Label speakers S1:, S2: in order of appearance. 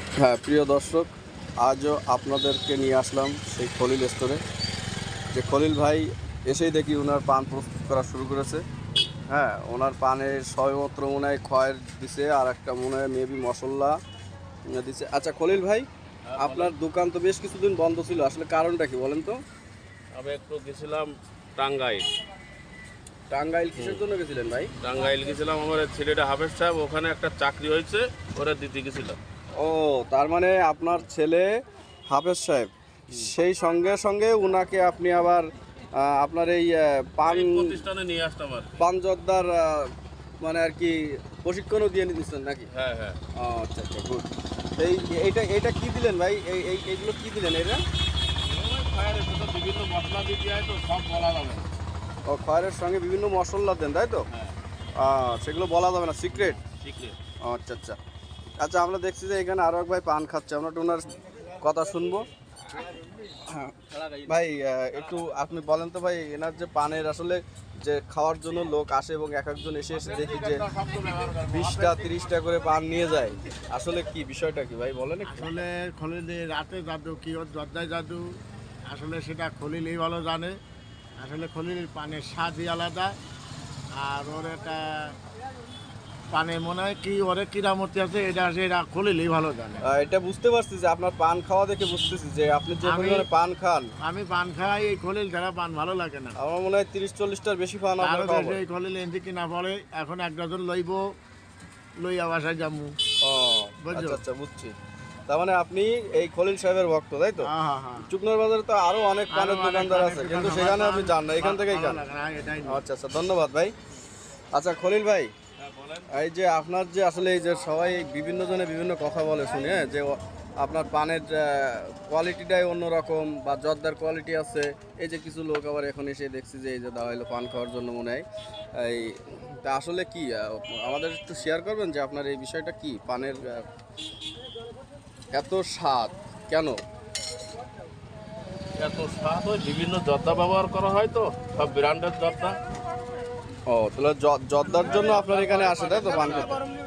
S1: হ্যাঁ, প্রিয় দর্শক, আজও আপনাদেরকে নিয়ে আসলাম সেই খলিল স্টোরে। যে খলিল ভাই এসেই দেখি ওনার পান প্রস্তুত করা শুরু করেছে। হ্যাঁ, ওনার পানের সবেমাত্র মনে হয় খয়ের দিছে, আর একটা মনে হয় মেবি মশলা দিছে। আচ্ছা খলিল ভাই, আপনার দোকান তো বেশ কিছুদিন বন্ধ ছিল, আসলে কারণটা কি বলেন তো?
S2: আমি একটু গেছিলাম টাঙ্গাইল।
S1: টাঙ্গাইল কিসের জন্য গেছিলেন ভাই?
S2: টাঙ্গাইল গেছিলাম, আমার ছেলেটা হাফেজ সাহেব, ওখানে একটা চাকরি হয়েছে, ওরা দিতে গেছিলাম।
S1: ও, তার মানে আপনার ছেলে হাফেজ সাহেব, সেই সঙ্গে সঙ্গে উনাকে আপনি আবার আপনার এই পান
S2: এই প্রতিষ্ঠানে নিয়ে আসতাম আর কি।
S1: পান জর্দার মানে আর কি প্রশিক্ষণও দিয়ে নিতেছেন নাকি?
S2: হ্যাঁ হ্যাঁ।
S1: ও আচ্ছা আচ্ছা, গুড। এই এইটা এইটা কি দিলেন ভাই? এইগুলো কি দিলেন এটা?
S2: ওই ফায়ারের ভেতর বিভিন্ন মশলা দিয়ে দেওয়া হয় তো, সব বলা যাবে না।
S1: ও, খয়েরের সঙ্গে বিভিন্ন মশলা দেন, তাই তো?
S2: হ্যাঁ,
S1: সেগুলো বলা যাবে না, সিক্রেট।
S2: সিক্রেট।
S1: আচ্ছা আচ্ছা। আচ্ছা, আমরা দেখছি যে এখানে আরো এক ভাই পান খাচ্ছে, আমরা একটু ওনার কথা শুনবো। হ্যাঁ, ভাই একটু আপনি বলেন তো ভাই, এনার যে পানের আসলে যে খাওয়ার জন্য লোক আসে এবং এক একজন এসে এসে দেখি যে 20টা 30টা করে পান নিয়ে যায়, আসলে কি বিষয়টা কি ভাই বলেন একটু?
S3: আসলে খলিলের রাতে জাদু কি ওর জর্দায় জাদু, আসলে সেটা খলিলই ভালো জানে। আসলে খলিলের পানের স্বাদই আলাদা। আর ওর একটা পানে মনে হয় কি ওরে কিরামতি আছে, এটা সেটা খলিলই ভালো জানে।
S1: এটা বুঝতে পারছি যে আপনার পান খাওয়া দেখে বুঝতেছি যে আপনি যে
S3: আমি-
S1: পরিমাণে পান খান,
S3: আমি পান খাই, এই খলিল ছাড়া পান ভালো লাগে না।
S1: আমার মনে হয় 30-40টার বেশি পান
S3: আরও
S1: আপনার খাওয়া
S3: দেশে
S1: হয়।
S3: এই খলিল এনতে কিনা পড়ে, এখন এক ডজন লইয়া বাসায় যামু।
S1: ও
S3: বুঝছো?
S1: আচ্ছা আচ্ছা, বুঝছি। তার মানে আপনি এই খলিল সাহেবের ভক্ত, তাই তো?
S3: হ্যাঁ হ্যাঁ হ্যাঁ।
S1: চুকনার বাজারে তো আরো অনেক পানের
S3: আরো অনেক
S1: দোকানদার
S3: পানের
S1: আছে,
S3: দোকান
S1: কিন্তু
S3: আমার
S1: সেখানে আপনি
S3: পান
S1: যান না, এখান থেকেই
S3: ভালো
S1: খান।
S3: লাগে না, এটাই না।
S1: আচ্ছা আচ্ছা, ধন্যবাদ ভাই। আচ্ছা খলিল ভাই,
S2: হ্যাঁ বলেন।
S1: এই যে আপনার যে আসলে এই যে সবাই বিভিন্ন জনে বিভিন্ন কথা বলে শুনে, হ্যাঁ, যে আপনার পানের কোয়ালিটিটাই অন্যরকম বা জর্দার কোয়ালিটি আছে। এই যে কিছু লোক আবার এখন এসে দেখছি যে এই যে দেওয়া হলো পান খাওয়ার জন্য মনে হয় এই, তা আসলে কি আমাদের একটু শেয়ার করবেন যে আপনার এই বিষয়টা কি, পানের এত স্বাদ কেন?
S2: এত স্বাদ হয়, বিভিন্ন জর্দা ব্যবহার করা হয় তো, সব ব্র্যান্ডের জর্দা।
S1: ও, তাহলে জর্দার জন্য আপনার এখানে আসে, তাই তো পান খেতে?